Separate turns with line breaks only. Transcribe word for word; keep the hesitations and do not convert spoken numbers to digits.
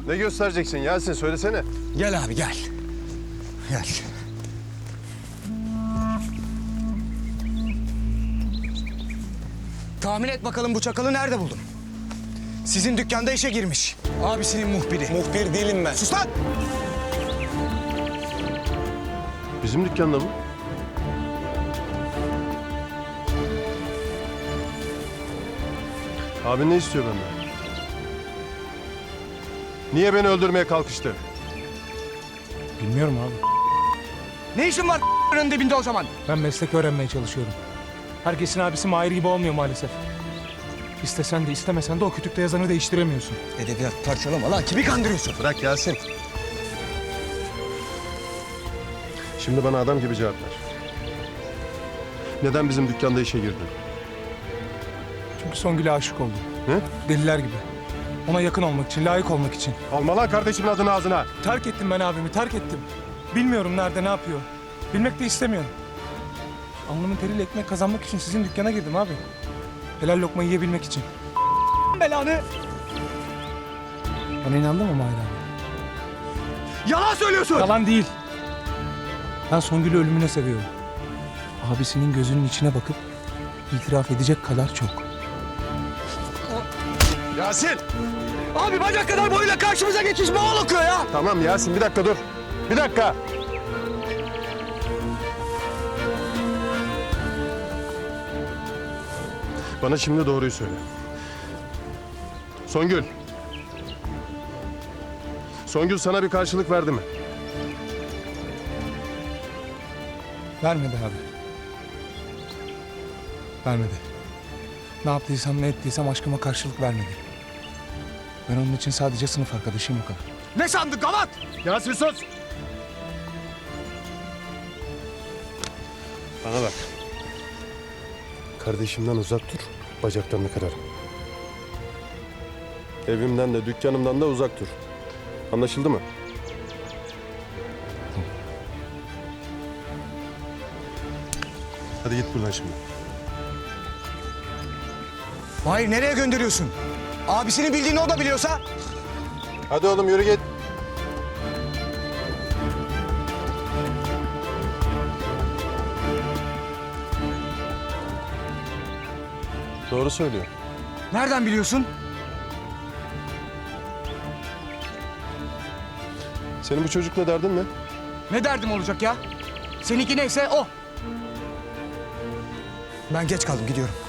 Ne göstereceksin Yasin? Söylesene.
Gel abi gel. Gel. Tahmin et bakalım bu çakalı nerede buldum? Sizin dükkanda işe girmiş. Abisinin muhbiri.
Muhbir değilim ben.
Sus lan!
Bizim dükkanda mı? Abin ne istiyor benden? Niye beni öldürmeye kalkıştı?
Bilmiyorum abi.
Ne işin var ***'ın dibinde o zaman?
Ben meslek öğrenmeye çalışıyorum. Herkesin abisi Mahir gibi olmuyor maalesef. İstesen de istemesen de o kütükte yazanı değiştiremiyorsun.
Edebiyat parçalama lan. Kimi kandırıyorsun?
Bırak Yasin. Şimdi bana adam gibi cevap ver. Neden bizim dükkanda işe girdin?
Çünkü Songül'e aşık oldum.
Ne?
Deliler gibi. Ona yakın olmak için, layık olmak için.
Alma lan kardeşimin adını ağzına.
Terk ettim ben abimi, terk ettim. Bilmiyorum nerede, ne yapıyor. Bilmek de istemiyorum. Alnımın teriyle ekmek kazanmak için sizin dükkana girdim abi. Helal lokma yiyebilmek için.
Belanı!
Bana inandın mı Mahir abi?
Yalan söylüyorsun!
Yalan değil. Ben Songül'ü ölümüne seviyorum. Abisinin gözünün içine bakıp itiraf edecek kadar çok.
Yasin!
Abi bacak kadar boyuyla karşımıza geçmiş boğal okuyor ya!
Tamam Yasin, bir dakika dur. Bir dakika. Bana şimdi doğruyu söyle. Songül. Songül sana bir karşılık verdi mi?
Vermedi abi. Vermedi. Ne yaptıysam ne ettiysem aşkıma karşılık vermedi. Ben onun için sadece sınıf arkadaşıyım o kadar.
Ne sandın gavat?
Yasin sus! Bana bak. Kardeşimden uzak dur, bacaklarını kırarım. Evimden de dükkanımdan da uzak dur. Anlaşıldı mı? Hadi git buradan şimdi.
Hayır nereye gönderiyorsun? Abisinin bildiğini o da biliyorsa?
Hadi oğlum yürü git. Doğru söylüyor.
Nereden biliyorsun?
Senin bu çocukla derdin ne?
Ne derdim olacak ya? Seninki neyse o. Ben geç kaldım gidiyorum.